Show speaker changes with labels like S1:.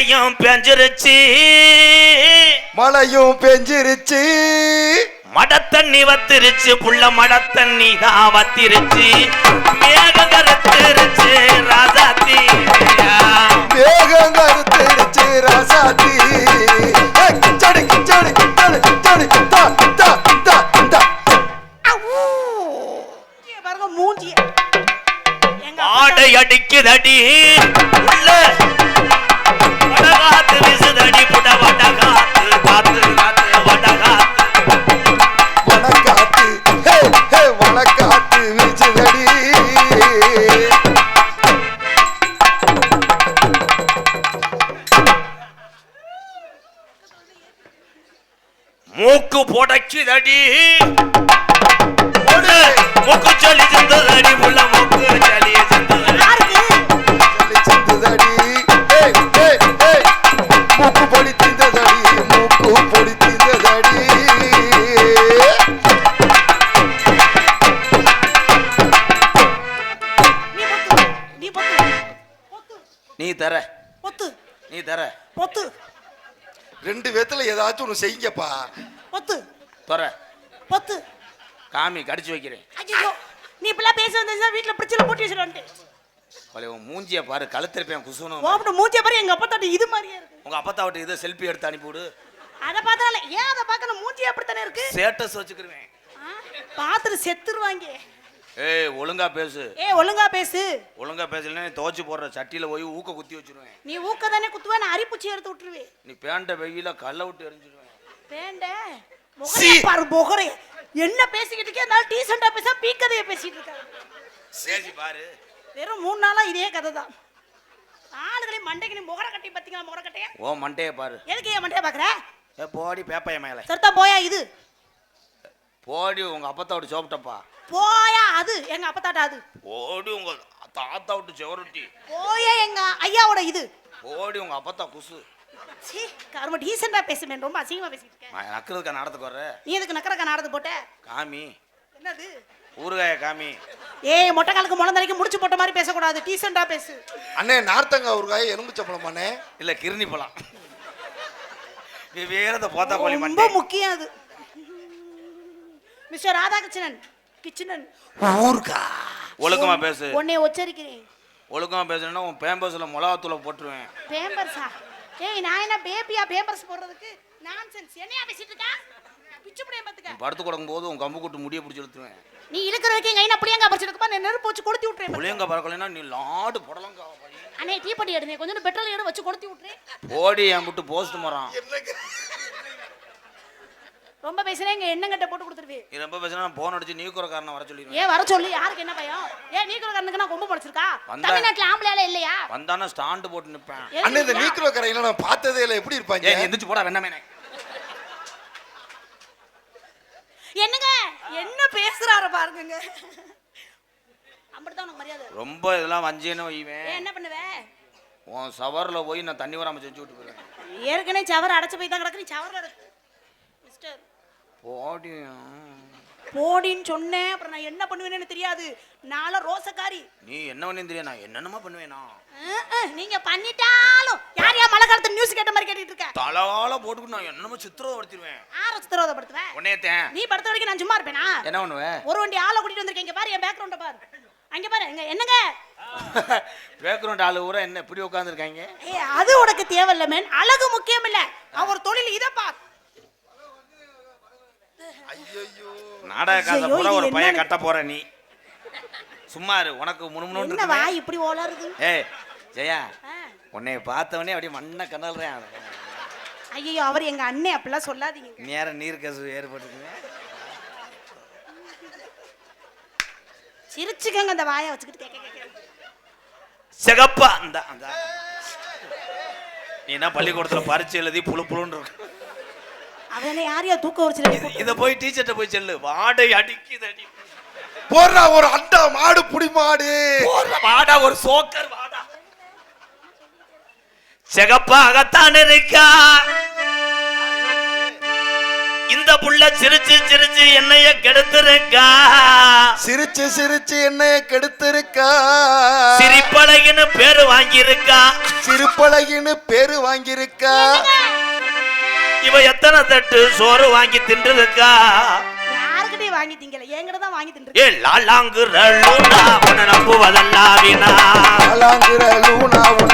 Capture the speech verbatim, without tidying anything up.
S1: மழையும் பெஞ்சிருச்சு
S2: மழையும் பெஞ்சிருச்சு
S1: மட தண்ணி வத்திருச்சு புள்ள மட தண்ணி தான் வத்திருச்சு மேகம் கருத்திருச்சு ராசாத்தி
S2: மேகம் கருத்திருச்சு ராசாத்தி கிச்சடி கிச்சடி கிச்சடி கிச்சடி தா தா தா தா
S3: பாருங்க மூஞ்சி
S1: ஆடை அடிக்குதடி உள்ள வடகாத்து விசுதடி புட வடகாத்து காத்து காத்து வடகாத்து
S2: வடகாத்து ஹே ஹே வடகாத்து விசுதடி
S1: மூக்கு புடைக்குதடி மூக்கு சொல்லி செந்ததடி உள்ள மூக்கு சொல்லி செந்ததடி
S2: செந்ததடி ஹே ஹே ஹே மூக்கு பொடி திந்ததடி மூக்கு பொடி திந்ததடி
S3: நீ பொத்து
S1: நீ தர
S3: பொத்து
S1: நீ தர
S3: பொத்து
S2: ரெண்டு பேத்துல ஏதாச்சும் ஒன்று செய்யுங்கப்பா
S3: பொத்து
S1: தர
S3: பொத்து
S1: காமி கடிச்சு வைக்கிறேன்
S3: ஐயோ நீ இப்பெல்லாம் பேச வந்தா வீட்ல பிடிச்சல போட்டு வச்சிருவான்ட்டு
S1: பழைய உன் மூஞ்சிய பாரு கழுத்திருப்பேன் குசுனும்
S3: ஓப்பட மூஞ்சிய பாரு எங்க அப்பா தாட்டி இது மாதிரியே இருக்கு
S1: உங்க அப்பத்தா விட்டு இதை செல்ஃபி எடுத்து அனுப்பிவிடு
S3: அத பார்த்தால ஏன் அத பார்க்கணும் மூஞ்சி அப்படி தானே இருக்கு
S1: ஸ்டேட்டஸ் வச்சுக்கிருவேன்
S3: பாத்துட்டு செத்துருவாங்க
S1: ஏய் ஒழுங்கா பேசு
S3: ஏய் ஒழுங்கா பேசு
S1: ஒழுங்கா பேசலன்னா நீ துவச்சு போடுற சட்டியில போய் ஊக்க குத்தி வச்சிருவேன்
S3: நீ ஊக்க தானே குத்துவ நான் அரிப்புச்சி எடுத்து விட்டுருவேன்
S1: நீ பேண்ட வெயில கல்ல விட்டு எரிஞ்சிருவேன்
S3: பேண்ட முகரே பாரு முகரே என்ன பேசிக்கிட்டு இருக்கே அதனால டீசெண்டா பேச பீக்கதைய பேசிட்டு இருக்காங்க
S1: சேசி பாரு
S3: வெறும் மூணு நாளா இதே கதை தான் ஆளுகளே மண்டைக்கு நீ முகர கட்டி பாத்தீங்களா முகர கட்டைய
S1: ஓ மண்டைய பாரு
S3: எதுக்கு ஏன் மண்டைய பாக்குற
S1: ஏ போடி பேப்பைய மேல
S3: சர்த்தா போயா இது
S1: போடி உங்க அப்பத்தா விட்டு சோப்பிட்டப்பா
S3: போயா அது எங்க அப்பத்தாட்டா அது
S1: போடி உங்க தாத்தா விட்டு செவருட்டி
S3: போயா எங்க ஐயாவோட இது
S1: போடி உங்க அப்பத்தா குசு
S3: சீ கரும டீசெண்டா பேசுறேன் ரொம்ப அசிங்கமா பேசிட்டு இருக்கேன்
S1: நான் நக்கிறதுக்கா நடத்துக்கு வர்ற
S3: நீ எதுக்கு நக்கறக்க நாடது போட்ட
S1: காமி
S3: என்னது
S1: ஊறுகாய காமி
S3: ஏய் மொட்டை காலுக்கு முளந்தரைக்கு முடிச்சு போட்ட மாதிரி பேசக்கூடாது டீசெண்டா பேசு
S2: அண்ணே நார்த்தங்கா ஊறுகாய் எலும்பு சம்பளமாண்ணே
S1: இல்ல கிருணி பழம் நீ வேறத போத்தா கோழி
S3: ரொம்ப
S1: மண்டை
S3: முக்கியம் அது மிஸ்டர் ராதாகிருஷ்ணன் கிச்சனன்
S2: ஊறுகா
S1: ஒழுக்கமா பேசு
S3: உன்னை உச்சரிக்கிறேன்
S1: ஒழுக்கமா பேசுனா உன் பேம்பஸ்ல மிளகாத்தூளை போட்டுருவேன்
S3: பேம்பர்ஸா ஏய் நான் என்ன பேபியா பேம்பர்ஸ் போடுறதுக்கு நான்சென்ஸ் என்னையா பேசிட்டு இருக்க பிச்சு புடியே பாத்துக்க
S1: படுத்து கொடுக்கும் போது உன் கம்பு கூட்டு முடிய பிடிச்சி இழுத்துருவேன்
S3: நீ இழுக்கிற வரைக்கும் எங்க என்ன புளியங்கா பறிச்சிருக்கப்பா நான் நெருப்பு வச்சு கொளுத்தி விட்டுறேன்
S1: புளியங்க பறக்கலைன்னா நீ லாடு புடலங்கா
S3: அண்ணே டீ பட்டி எடுங்க கொஞ்சம் பெட்ரோல் எடு வச்சு கொளுத்தி விட்டுறேன்
S1: போடி என் விட்டு போஸ்ட் மரம்
S3: ரொம்ப பேசினா இங்க எண்ணெய் போட்டு கொடுத்துருவேன்
S1: நீ ரொம்ப பேசினா போன் அடிச்சு நீ குறக்காரனை வர சொல்லிடுவேன்
S3: ஏன் வர சொல்லி யாருக்கு என்ன பயம் ஏன் நீ குறக்காரனுக்கு நான் கொம்பு படிச்சிருக்கா தமிழ்நாட்டுல ஆம்பளையால இல்லையா
S1: வந்தானா ஸ்டாண்ட் போட்டு நிப்பேன்
S2: அண்ணே இந்த நீக்ரோ கரையில நான் பார்த்ததே இல்லை எப்படி இருப்பாங்க
S1: ஏய் எந்திரிச்சு போடா வெண்ணமே
S3: என்னங்க என்ன பேசுறாரு பாருங்க அப்படிதான் உனக்கு மரியாதை
S1: ரொம்ப இதெல்லாம் வஞ்சேன்னு வைவேன்
S3: என்ன பண்ணுவே
S1: உன் சவர்ல போய் நான் தண்ணி வராம செஞ்சு விட்டு போறேன்
S3: ஏற்கனவே சவர் அடைச்சு போய் தான் கிடக்கு நீ சவர்ல மிஸ்டர்
S1: போடி
S3: போடின்னு சொன்னேன் அப்புறம் நான் என்ன பண்ணுவேன்னு தெரியாது நானும் ரோசக்காரி
S1: நீ என்ன பண்ணு தெரியும் நான் என்னென்னமா பண்ணுவேனா
S3: நீங்க பண்ணிட்டாலும் யார் யார் மழை காலத்து நியூஸ் கேட்ட மாதிரி கேட்டுட்டு இருக்க
S1: தலால போட்டுட்டு நான் என்னமோ சித்திரவதைப்படுத்திடுவேன்
S3: ஆற சித்திரவதைப்படுத்துவேன்
S1: உன்னையத்தேன்
S3: நீ படுத்த வரைக்கும் நான் சும்மா இருப்பேனா
S1: என்ன பண்ணுவேன்
S3: ஒரு வண்டி ஆளை கூட்டிட்டு வந்திருக்கேன் இங்க பாரு என் பேக்ரவுண்ட பாரு அங்க பாரு எங்க என்னங்க
S1: பேக்ரவுண்ட் ஆளு ஊரா என்ன இப்படி உட்கார்ந்துருக்காங்க
S3: ஏய் அது உனக்கு தேவையில்ல மேன் அழகு முக்கியம் இல்ல அவர் தொழில் இத பார்
S2: ஐயோ
S1: நாடக காசை பூரா ஒரு பையன் கட்ட போற நீ சும்மா இரு உனக்கு முணுமுணுன்னு
S3: என்ன
S1: இருக்கு
S3: வாய் இப்படி ஓலறுது
S1: ஏய் ஜெயா உன்னை பார்த்தவனே அப்படியே மண்ணை கண்ணல்றேன்
S3: ஐயோ அவர் எங்க அண்ணே அப்படிலாம் சொல்லாதீங்க
S1: நேரம் நீர் கசு ஏற்பட்டுருக்குங்க
S3: சிரிச்சுக்கங்க அந்த வாயை வச்சுக்கிட்டு கேட்க கேட்க
S1: சிகப்பா அந்த அந்த நீ என்ன பள்ளிக்கூடத்துல பரிச்சு எழுதி புழு புழுன்னு இருக்கு
S3: அவனை யாரையா தூக்க வச்சு
S1: இத போய் டீச்சர்ட்ட போய் சொல்லு வாடை அடிக்குது அடி
S2: போறா ஒரு அண்டா மாடு புடி மாடு
S1: வாடா ஒரு சோக்கர் வாடா சிகப்பாகத்தான் இருக்கா இந்த புள்ள சிரிச்சு சிரிச்சு என்னைய கெடுத்திருக்கா
S2: சிரிச்சு சிரிச்சு என்னைய கெடுத்திருக்கா
S1: சிரிப்பழகின்னு பேரு வாங்கியிருக்கா
S2: சிரிப்பழகின்னு பேரு வாங்கியிருக்கா
S1: இவ எத்தனை தட்டு சோறு வாங்கி தின்றுருக்கா
S3: யாருக்கிட்டே வாங்கி திங்கல என்கிட்ட தான் வாங்கி தின்று
S1: ஏ லாலாங்குற லூனா உன்னை நம்புவதல்லா வீணா
S2: லாலாங்குற லூனா